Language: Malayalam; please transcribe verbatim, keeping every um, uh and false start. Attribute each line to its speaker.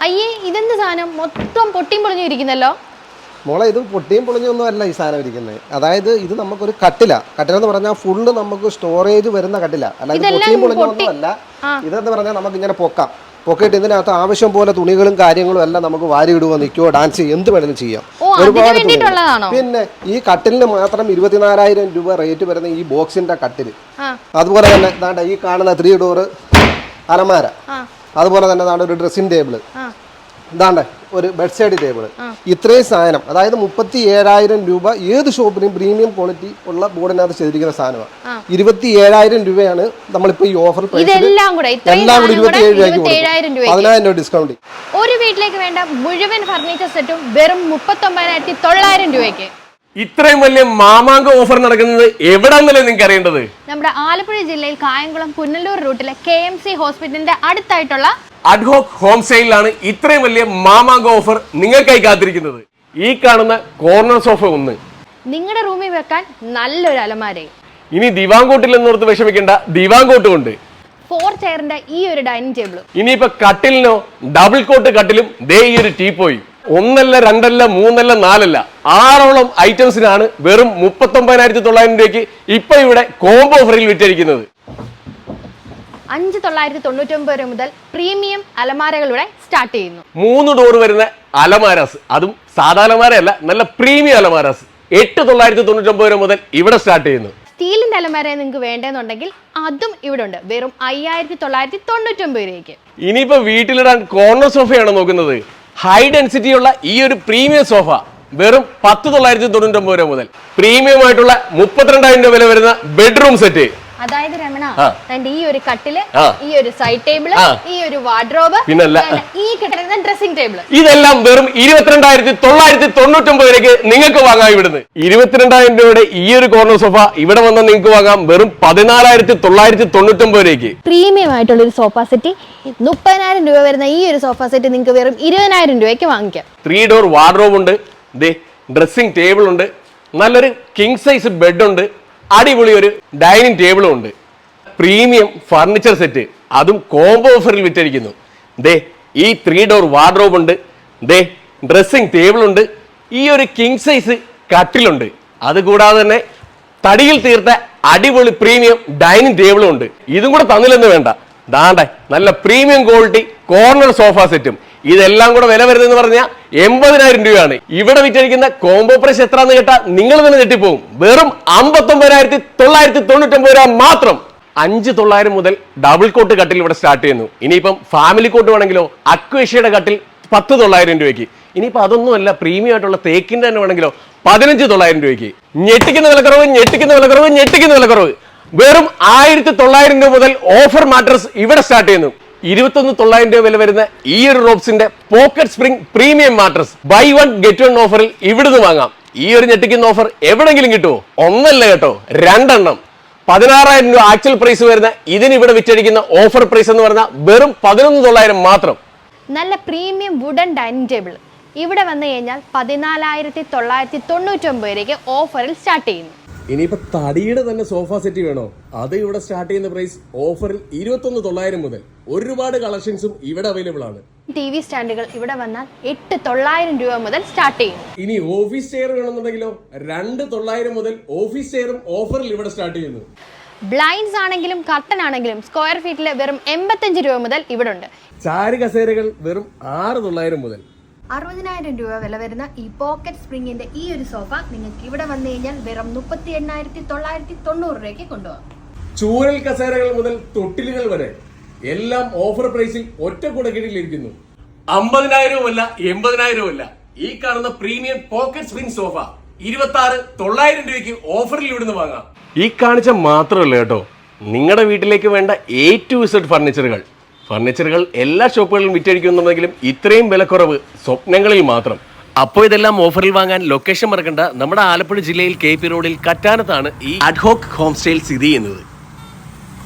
Speaker 1: അയ്യേ ഇതെന്ത് സാധനം മൊത്തം പൊട്ടിയും പൊളിഞ്ഞു ഇരിക്കുന്നല്ലോ.
Speaker 2: മോളെ ഇത് പൊട്ടിയും പൊളിഞ്ഞൊന്നും അല്ല ഈ സാധനം ഇരിക്കുന്നത്. അതായത് ഇത് നമുക്കൊരു കട്ടില കട്ടിലെന്ന് പറഞ്ഞാൽ ഫുള്ള് നമുക്ക് സ്റ്റോറേജ് വരുന്ന കട്ടില. അല്ലാതെ പൊട്ടിയും പൊളിഞ്ഞൊന്നും അല്ല. ഇതെന്ന് പറഞ്ഞാൽ നമുക്ക് ഇങ്ങനെ പൊക്കാം. പൊക്കിയിട്ട് ഇതിനകത്ത് ആവശ്യം പോലെ തുണികളും കാര്യങ്ങളും എല്ലാം നമുക്ക് വാരി ഇടുവോ നിൽക്കുവോ ഡാൻസ് ചെയ്യുക എന്ത് വേണമെങ്കിലും ചെയ്യാം. ഒരുപാട് പിന്നെ ഈ കട്ടിലിന് മാത്രം ഇരുപത്തിനാലായിരം രൂപ റേറ്റ് വരുന്ന ഈ ബോക്സിന്റെ കട്ടില്. അതുപോലെ തന്നെ ദാണ്ട ഈ കാണുന്ന ത്രീ ഡോറ് അലമാര, അതുപോലെ തന്നെ ദാണ്ട ഒരു ഡ്രസ്സിംഗ് ടേബിള്, ഇതാണ്ട് ഒരു ബെഡ് സൈഡ് ടേബിൾ. ഇത്രയും സാധനം അതായത് മുപ്പത്തി ഏഴായിരം രൂപ ഏത് ഷോപ്പിലും പ്രീമിയം ക്വാളിറ്റി ഉള്ള ബോർഡിനകത്ത് ചെയ്തിരിക്കുന്ന സാധനമാണ്. ഇരുപത്തി ഏഴായിരം രൂപയാണ് നമ്മളിപ്പോ ഈ ഓഫർ പ്രൈസിൽ എല്ലാം കൂടി ഇരുപത്തി ഏഴ് രൂപയ്ക്ക് പതിനായിരം രൂപ ഡിസ്കൗണ്ട്.
Speaker 1: ഒരു വീട്ടിലേക്ക് വേണ്ട മുഴുവൻ ഫർണിച്ചർ സെറ്റും വെറും മുപ്പത്തി ഒമ്പതിനായിരത്തി തൊള്ളായിരം രൂപയ്ക്ക്.
Speaker 3: ഇത്രയും വലിയ മാമാങ്ക ഓഫർ നടക്കുന്നത് എവിടാന്നല്ലേ നിങ്ങൾക്ക് അറിയേണ്ടത്?
Speaker 1: നമ്മുടെ ആലപ്പുഴ ജില്ലയിൽ കായംകുളം പുനലൂർ റൂട്ടിലെ കെ എം സി ഹോസ്പിറ്റലിന്റെ അടുത്തായിട്ടുള്ള
Speaker 3: അഡ്ഹോക് ഹോം സ്റ്റൈലിലാണ് ഇത്രയും വലിയ മാമാങ്ക ഓഫർ നിങ്ങൾക്കായി കാത്തിരിക്കുന്നത്. ഈ കാണുന്ന കോർണർ സോഫ ഒന്ന്,
Speaker 1: നിങ്ങളുടെ റൂമിൽ വെക്കാൻ നല്ലൊരു അലമാര,
Speaker 3: ഇനി ദിവാങ്കോട്ടിൽ എന്നോർത്ത് വിഷമിക്കേണ്ട ദിവാങ്കോട്ടും ഉണ്ട്.
Speaker 1: ഫോർ ചെയറിന്റെ ഈ ഒരു ഡൈനിങ് ടേബിളും.
Speaker 3: ഇനിയിപ്പോ കട്ടിലിനോ ഡബിൾ കോട്ട് കട്ടിലും ദേ ഈ ഒരു ടീപ്പോയും. ഒന്നല്ല രണ്ടല്ല മൂന്നല്ല നാലല്ല ആറോളം ഐറ്റംസിനാണ് വെറും മുപ്പത്തി ഒമ്പതിനായിരത്തി തൊള്ളായിരം രൂപയ്ക്ക് ഇപ്പൊ ഇവിടെ കോംബോ ഓഫറിൽ വിറ്റഴിക്കുന്നത്.
Speaker 1: അഞ്ച് തൊള്ളായിരത്തി തൊണ്ണൂറ്റി ഒമ്പത് രൂപ മുതൽ പ്രീമിയം അലമാരകളുടെ സ്റ്റാർട്ട് ചെയ്യുന്നു.
Speaker 3: മൂന്ന് ഡോർ വരുന്ന അലമാരാസ്, അതും സാധാ അലമാരയല്ല, നല്ല പ്രീമിയം അലമാരാസ് എട്ട് തൊള്ളായിരത്തി തൊണ്ണൂറ്റി ഒമ്പത് രൂപ മുതൽ ഇവിടെ സ്റ്റാർട്ട് ചെയ്യുന്നു.
Speaker 1: സ്റ്റീലിന്റെ അലമാര നിങ്ങൾക്ക് വേണ്ടെന്നുണ്ടെങ്കിൽ അതും ഇവിടെ ഉണ്ട്, വെറും അയ്യായിരത്തി തൊള്ളായിരത്തി തൊണ്ണൂറ്റി ഒമ്പത് രൂപയ്ക്ക്.
Speaker 3: ഇനിയിപ്പോ വീട്ടിലിടാൻ കോർണർ സോഫയാണ് നോക്കുന്നത്. ഹൈ ഡെൻസിറ്റി ഉള്ള ഈ ഒരു പ്രീമിയം സോഫ വെറും പത്ത് തൊള്ളായിരത്തി തൊണ്ണൂറ്റി ഒമ്പത് രൂപ മുതൽ പ്രീമിയം ആയിട്ടുള്ള മുപ്പത്തിരണ്ടായിരം രൂപ വില വരുന്ന ബെഡ്റൂം സെറ്റ്.
Speaker 1: അതായത് രമണ ഈ ഒരു കട്ടില്, ഈ ഒരു സൈഡ് ടേബിള്, ഈ ഒരു വാർഡ്രോബ്,
Speaker 3: പിന്നല്ല
Speaker 1: ഈ കിടക്കുന്ന ഡ്രസ്സിംഗ് ടേബിള്,
Speaker 3: ഇതെല്ലാം വെറും ഇരുപത്തിരണ്ടായിരത്തി തൊള്ളായിരത്തി തൊണ്ണൂറ്റി ഒമ്പത് രൂപയ്ക്ക് നിങ്ങൾക്ക് വാങ്ങാം. ഇവിടുന്ന് ഇരുപത്തിരണ്ടായിരം രൂപയുടെ ഈ ഒരു കോർണർ സോഫ ഇവിടെ വന്നാൽ നിങ്ങൾക്ക് വാങ്ങാം വെറും പതിനാലായിരത്തി തൊള്ളായിരത്തി തൊണ്ണൂറ്റി ഒമ്പത് രൂപയ്ക്ക്.
Speaker 1: പ്രീമിയം ആയിട്ടുള്ള ഒരു സോഫ സെറ്റ് മുപ്പതിനായിരം രൂപ വരുന്ന ഈ ഒരു സോഫ സെറ്റ് നിങ്ങൾക്ക് വെറും ഇരുപതിനായിരം രൂപയ്ക്ക് വാങ്ങിക്കാം.
Speaker 3: ത്രീ ഡോർ വാർഡ്രോബ് ഉണ്ട്, ഡ്രസ്സിംഗ് ടേബിൾ ഉണ്ട്, നല്ലൊരു കിങ് സൈസ് ബെഡ് ഉണ്ട്, അടിപൊളി ഒരു ഡൈനിങ് ടേബിളും ഉണ്ട്. പ്രീമിയം ഫർണിച്ചർ സെറ്റ് അതും കോംബോ ഓഫറിൽ വിറ്റഴിക്കുന്നു. ദേ ഈ ത്രീ ഡോർ വാർഡ്രോബ് ഉണ്ട്, ദേ ഡ്രസ്സിംഗ് ടേബിൾ ഉണ്ട്, ഈ ഒരു കിങ് സൈസ് കട്ടിലുണ്ട്, അതുകൂടാതെ തന്നെ തടിയിൽ തീർത്ത അടിപൊളി പ്രീമിയം ഡൈനിങ് ടേബിളും ഉണ്ട്. ഇതും കൂടെ തന്നില്ലെന്ന് വേണ്ട, ദാണ്ടെ നല്ല പ്രീമിയം ക്വാളിറ്റി കോർണർ സോഫ സെറ്റും. ഇതെല്ലാം കൂടെ വില വരുന്നതെന്ന് പറഞ്ഞാൽ എൺപതിനായിരം രൂപയാണ്. ഇവിടെ വിറ്റഴിക്കുന്ന കോംബോ പ്രൈസ് എത്രയാണെന്ന് കേട്ടാൽ നിങ്ങൾ തന്നെ ഞെട്ടിപ്പോകും. വെറും അമ്പത്തി ഒമ്പതിനായിരത്തി തൊള്ളായിരത്തി തൊണ്ണൂറ്റി ഒമ്പത് രൂപ മാത്രം. അഞ്ച് തൊള്ളായിരം മുതൽ ഡബിൾ കോട്ട് കട്ടിൽ ഇവിടെ സ്റ്റാർട്ട് ചെയ്യുന്നു. ഇനിയിപ്പം ഫാമിലി കോട്ട് വേണമെങ്കിലോ അക്വേഷ്യയുടെ കട്ടിൽ പത്ത് തൊള്ളായിരം രൂപയ്ക്ക്. ഇനിയിപ്പോൾ അതൊന്നുമല്ല, പ്രീമിയം ആയിട്ടുള്ള തേക്കിന്റെ തന്നെ വേണമെങ്കിലോ പതിനഞ്ച് തൊള്ളായിരം രൂപയ്ക്ക്. ഞെട്ടിക്കുന്ന വിലക്കുറവ്, ഞെട്ടിക്കുന്ന വിലക്കുറവ്, ഞെട്ടിക്കുന്ന വിലക്കുറവ്. വെറും ആയിരത്തി തൊള്ളായിരം രൂപ മുതൽ ഓഫർ മാട്രസ് ഇവിടെ സ്റ്റാർട്ട് ചെയ്യുന്നു. ഇരുപത്തൊന്ന് തൊള്ളായിരം രൂപ വില വരുന്ന ഈ ഒരു റോബ്സിന്റെ pocket spring premium mattress buy one get one ഓഫറിൽ ഇവിടുന്ന് വാങ്ങാം. ഈ ഒരു ഞെട്ടിക്കുന്ന ഓഫർ എവിടെങ്കിലും കിട്ടുമോ? ഒന്നല്ല കേട്ടോ, രണ്ടെണ്ണം. പതിനാറായിരം രൂപ ആക്ച്വൽ പ്രൈസ് വരുന്ന ഇതിന് ഇവിടെ വിറ്റഴിക്കുന്ന ഓഫർ പ്രൈസ് എന്ന് പറഞ്ഞാൽ വെറും പതിനൊന്ന് തൊള്ളായിരം മാത്രം.
Speaker 1: നല്ല പ്രീമിയം വുഡൻ ഡൈനിങ് ടേബിൾ ഇവിടെ വന്നു കഴിഞ്ഞാൽ പതിനാലായിരത്തി തൊള്ളായിരത്തി തൊണ്ണൂറ്റി ഒമ്പത് രൂപയ്ക്ക് ഓഫറിൽ സ്റ്റാർട്ട് ചെയ്യുന്നു.
Speaker 3: ഇനിയിപ്പോ തടിയുടെ തന്നെ സോഫ സെറ്റ് വേണോ? അത് ഇവിടെ സ്റ്റാർട്ട് ചെയ്യുന്ന പ്രൈസ് ഓഫറിൽ ഇരുപത്തൊന്ന് തൊള്ളായിരം മുതൽ. ഒരുപാട് കളക്ഷൻസും ഇവിടെ അവൈലബിൾ ആണ്.
Speaker 1: ടി വി സ്റ്റാൻഡുകൾ ഇവിടെ വന്നാൽ എട്ട് തൊള്ളായിരം രൂപ മുതൽ സ്റ്റാർട്ട് ചെയ്യും.
Speaker 3: ഇനി ഓഫീസ് ചെയർ വേണമെന്നുണ്ടെങ്കിലോ രണ്ട് തൊള്ളായിരം മുതൽ ഓഫീസ് ചെയറും ഓഫറിൽ ഇവിടെ സ്റ്റാർട്ട് ചെയ്യുന്നു.
Speaker 1: ബ്ലൈൻഡ്സ് ആണെങ്കിലും കർട്ടൻ ആണെങ്കിലും സ്ക്വയർ ഫീറ്റിൽ വെറും എൺപത്തഞ്ച് രൂപ മുതൽ ഇവിടെ ഉണ്ട്.
Speaker 3: ചാരി കസേരകൾ വെറും ആറ് തൊള്ളായിരം മുതൽ.
Speaker 1: അറുപതിനായിരം രൂപ വില വരുന്ന ഈ പോക്കറ്റ് സ്പ്രിങ്ങിന്റെ ഈ ഒരു സോഫ നിങ്ങൾക്ക് ഇവിടെ വന്നു കഴിഞ്ഞാൽ വെറും മുപ്പത്തി എണ്ണായിരത്തി തൊള്ളായിരത്തി തൊണ്ണൂറ് രൂപയ്ക്ക് കൊണ്ടുപോകാം.
Speaker 3: ചൂരൽ കസേരകൾ മുതൽ തൊട്ടിലുകൾ വരെ എല്ലാം ഓഫർ പ്രൈസിൽ ഒറ്റ കുടക്കീഴിലിരിക്കുന്നു. അമ്പതിനായിരവും അല്ല എൺപതിനായിരവും അല്ല, ഈ കാണുന്ന പ്രീമിയം പോക്കറ്റ് സ്പ്രിംഗ് സോഫ ഇരുപത്തി ആറ് തൊള്ളായിരം രൂപയ്ക്ക് ഓഫറിൽ ഇവിടുന്ന് വാങ്ങാം. ഈ കാണിച്ച മാത്രമല്ല കേട്ടോ, നിങ്ങളുടെ വീട്ടിലേക്ക് വേണ്ട എ ടു ഇസഡ് ഫർണിച്ചറുകൾ ഫർണിച്ചറുകൾ എല്ലാ ഷോപ്പുകളിലും വിറ്റഴിക്കുന്നുണ്ടെങ്കിലും ഇത്രയും വിലക്കുറവ് സ്വപ്നങ്ങളിൽ മാത്രം. അപ്പോൾ ഇതെല്ലാം ഓഫറിൽ വാങ്ങാൻ ലൊക്കേഷൻ മറക്കണ്ട. നമ്മുടെ ആലപ്പുഴ ജില്ലയിൽ കെ പി റോഡിൽ കറ്റാനത്താണ് ഈ അഡ്ഹോക് ഹോം സ്റ്റൈൽ സ്ഥിതി ചെയ്യുന്നത്.